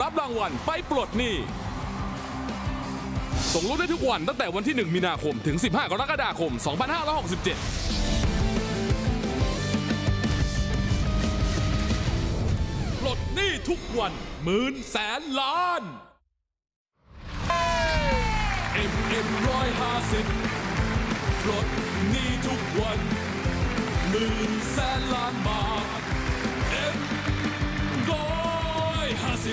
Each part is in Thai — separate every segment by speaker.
Speaker 1: รับรางวัลไปปลดหนี้ส่งลุ้นได้ทุกวันตั้งแต่วันที่ 1 มีนาคมถึง 15 กรกฎาคม 2567 ปลดหนี้ทุกวันหมื่นแสนล้าน MM150 ปลดหนี้ทุกวันหมื่นแสนล้านบาท M150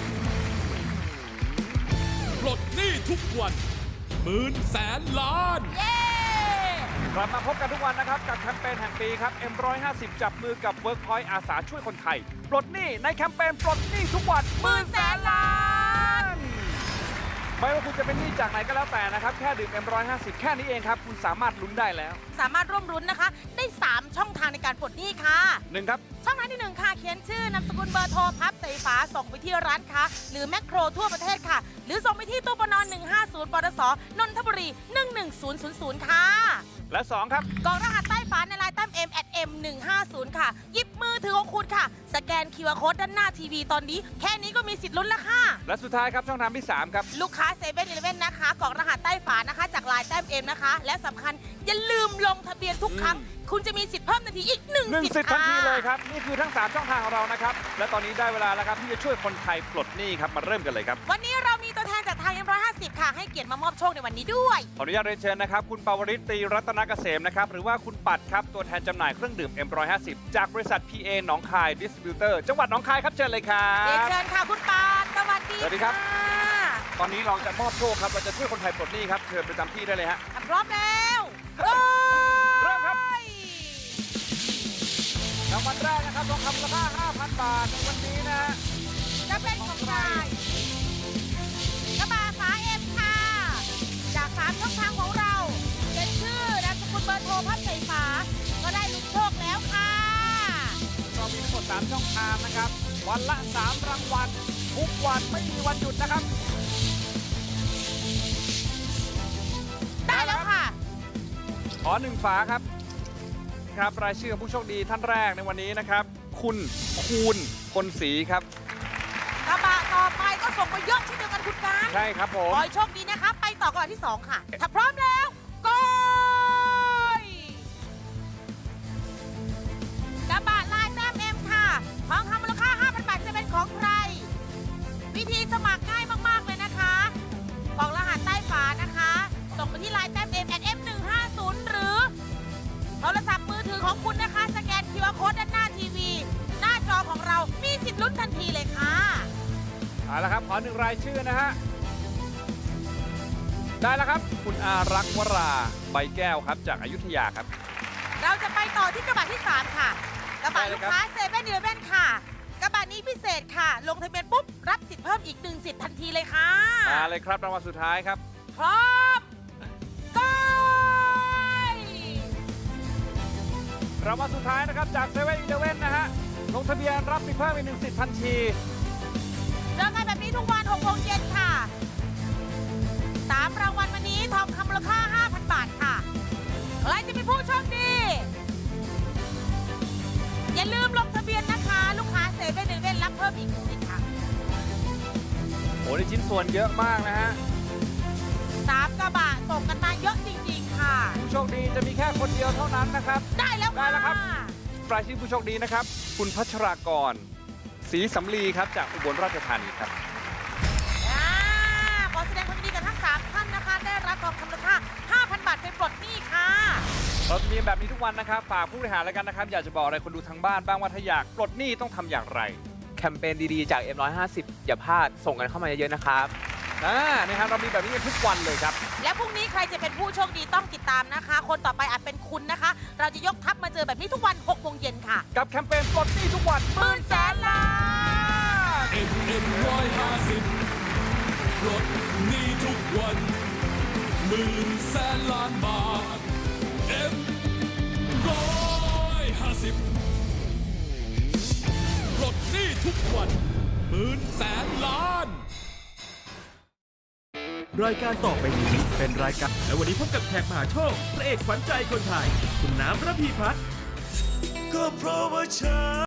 Speaker 1: ปลดหนี้ทุกวันหมื่นแสนล้าน
Speaker 2: กลับมาพบกันทุกวันนะครับกับแคมเปญแห่งปีครับ M150 จับมือกับ Workpoint อาสาช่วยคนไทยปลดหนี้ในแคมเปญปลดหนี้ทุกวันหมื่นแสนล้านไม่ว่าคุณจะเป็นหนี้จากไหนก็แล้วแต่นะครับแค่ดื่ม M150 แค่นี้เองครับคุณสามารถลุ้นได้แล้ว
Speaker 3: สามารถร่วมรุ้นนะคะได้ 3 ช่องทางในการปลดหนี้ค่ะ
Speaker 2: 1 ครับ
Speaker 3: ช่องทางที่ 1 ค่ะเขียนชื่อนามสกุลเบอร์โทรพับใส่ฝาส่งไปที่ร้านค้าหรือแมคโครทั่วประเทศค่ะ หรือส่งไปที่ตู้ปน150 ปตส นนทบุรี 11000 ค่ะ
Speaker 2: และ 2 ครับ
Speaker 3: กรอกรหัสใต้ฝาในไลน์แต้ม M@M150 ค่ะ หยิบมือถือของคุณค่ะ สแกน QR Code ด้านหน้าทีวีตอนนี้ แค่นี้ก็มีสิทธิ์ลุ้นแล้วค่ะ
Speaker 2: และสุดท้ายครับช่องทางที่ 3 ครับ
Speaker 3: ลูกค้าเซเว่นอีเลฟเว่นนะคะกรอกรหัสใต้ฝานะคะจากไลน์แต้ม M นะคะ และสำคัญอย่าลืมลงทะเบียนทุกครั้ง คุณจะมีสิทธิ์เพิ่มทันทีอีก1
Speaker 2: 1
Speaker 3: สิท
Speaker 2: สิท
Speaker 3: ธิ์
Speaker 2: ธิ์ทัน
Speaker 3: ค่ะ
Speaker 2: ทีเลยครับนี่คือทั้ง 3 ช่องทางของเรานะครับและตอนนี้ได้เวลาแล้วครับที่จะช่วยคนไทยปลดหนี้ครับมาเริ่มกันเลยครับ
Speaker 3: วันนี้เรามีตัวแทนจากทาง M150 ค่ะ ให้เกียรติมามอบโชคในวันนี้ด้วย
Speaker 2: ขออนุญาตเรียนเชิญนะครับคุณปาวริตตรีรัตนเกษมนะครับหรือว่าคุณปัดครับตัวแทนจำหน่ายเครื่องดื่ม M150 จากบริษัท PA หนองคายดิสติบิวเตอร์จังหวัดหนองคายครับเชิญเลยครั
Speaker 3: เรียน
Speaker 2: บ
Speaker 3: เชิญค่ะคุณปานสวัสดี
Speaker 2: สวัสดีครับ
Speaker 3: ค่ะ
Speaker 2: ตอนนี้เราจะมอบโชคครับเราจะช่วยคนไทยปลดหนี้ครับเชิญประจำที่ได้เลยฮะ
Speaker 3: พร้อมแล้ว
Speaker 2: เริ่มครับ รางวัลแรกนะครับทองคำมูลค่า 5,000 บาทในวันนี้นะฮะ
Speaker 3: จะเป็นของใครกระบะฝาเอ็มค่ะ จาก3ช่องทางของเราเขียนชื่อนามสกุลเบอร์โทรพับใส่ฝาก็ได้ลุ้นโชคแล้วค่ะ
Speaker 2: เรามีทั้งหมด3ช่องทางนะครับวันละ3รางวัลทุกวันไม่มีวันหยุดนะครับ
Speaker 3: ได้แล้วค่ะ
Speaker 2: ขอ1ฝาครับครับรายชื่อของผู้โชคดีท่านแรกในวันนี้นะครับ คุณคูณพลศรีครับ
Speaker 3: กระบะต่อไปก็ส่งมาเยอะเช่นเดียวกันคุณการ
Speaker 2: ใช่ครับผม
Speaker 3: ขอให้โชคดีนะคะ ไปต่อกระบะที่ 2 ค่ะ ถ้าพร้อมแล้วก็กระบะลายแต้มเอ็มค่ะทองคำมูลค่า 5,000 บาทจะเป็นของใคร วิธีสมัครง่ายมากๆเลยนะคะกรอกรหัสใต้ฝานะคะ ส่งไปที่ไลน์แต้ม M@M150 หรือโทรศัพท์มือถือของคุณนะคะ สแกน QR Code ด้านหน้าทีวี หน้าจอของเรามีสิทธิ์ลุ้นทันทีเลยค่ะ
Speaker 2: เอาละครับขอ1รายชื่อนะฮะได้แล้วครับ คุณอารักษ์วราใบแก้วครับจากอยุธยาครับ
Speaker 3: เราจะไปต่อที่กระบะที่ 3 ค่ะ กระบะ
Speaker 2: ได้เล
Speaker 3: ลู
Speaker 2: ย
Speaker 3: ก
Speaker 2: ครับ
Speaker 3: ค้าเซเว่นอีเลฟเว่นค่ะ กระบะนี้พิเศษค่ะ ลงทะเบียนปุ๊บ รับสิทธิ์เพิ่มอีก1สิทธิ์ทันทีเลยค่ะ
Speaker 2: มาเลยครับรางวัลสุดท้ายครับ
Speaker 3: พร้อมก็
Speaker 2: รางวัลสุดท้ายนะครับจากเซเว่นอีเลฟเว่นนะฮะลงทะเบียนรับสิทธิ์เพิ่มอีก1สิทธิ์ทันที
Speaker 3: เจอกันแบบนี้ทุกวัน6 โมงเย็นค่ะ3รางวัลวันนี้ทองคำมูลค่า 5,000 บาทค่ะใครจะเป็นผู้โชคดี อย่าลืมลงทะเบียนนะคะ ลูกค้าเซเว่นอีเลฟเว่นรับเพิ่มอีก1สิทธิ์ค่ะ
Speaker 2: โอ้ได้ชิ้นส่วนเยอะมากนะฮะ
Speaker 3: 3 กระบะส่งกันมาเยอะจริงๆค่ะ
Speaker 2: ผู้โชคดีจะมีแค่คนเดียวเท่านั้นนะครับ
Speaker 3: ได้แล้วค่ะ
Speaker 2: ได้แล้วครับ รายชื่อผู้โชคดีนะครับ คุณพัชรากรศรีสำลีครับจากอุบลราชธานีครับ
Speaker 3: ขอแสดงความยินดีกับทั้ง 3 ท่านนะคะ ได้รับทองคำมูลค่า 5,000 บาทไปปลดหนี้ค่ะ
Speaker 2: เราจะมีแบบนี้ทุกวันนะครับ ฝากผู้บริหารแล้วกันนะครับ อยากจะบอกอะไรคนดูทางบ้านบ้างว่าถ้าอยากปลดหนี้ต้องทำอย่างไร
Speaker 4: แคมเปญดีๆ จาก M150 อย่าพลาดส่งกันเข้ามาเยอะๆนะครับ
Speaker 2: นะครับเรามีแบบนี้กันทุกวันเลยครับ
Speaker 3: และพรุ่งนี้ใครจะเป็นผู้โชคดีต้องติดตามนะคะ คนต่อไปอาจเป็นคุณนะคะ เราจะยกทัพมาเจอแบบนี้ทุกวัน6 โมงเย็นค่ะ
Speaker 2: กับแคมเปญปลดหนี้ทุกวัน
Speaker 3: หมื่นแสนล้าน
Speaker 1: MM150 ปลดหนี้ทุกวันหมื่นแสนล้านบาท M150 ปลดหนี้ทุกวันหมื่นแสนล้าน
Speaker 5: รายการต่อไปนี้เป็นรายการและวันนี้พบกับแขกมหาโชคพระเอกขวัญใจคนไทย คุณน้ำระพีพัฒน์ก็เพราะว่าฉัน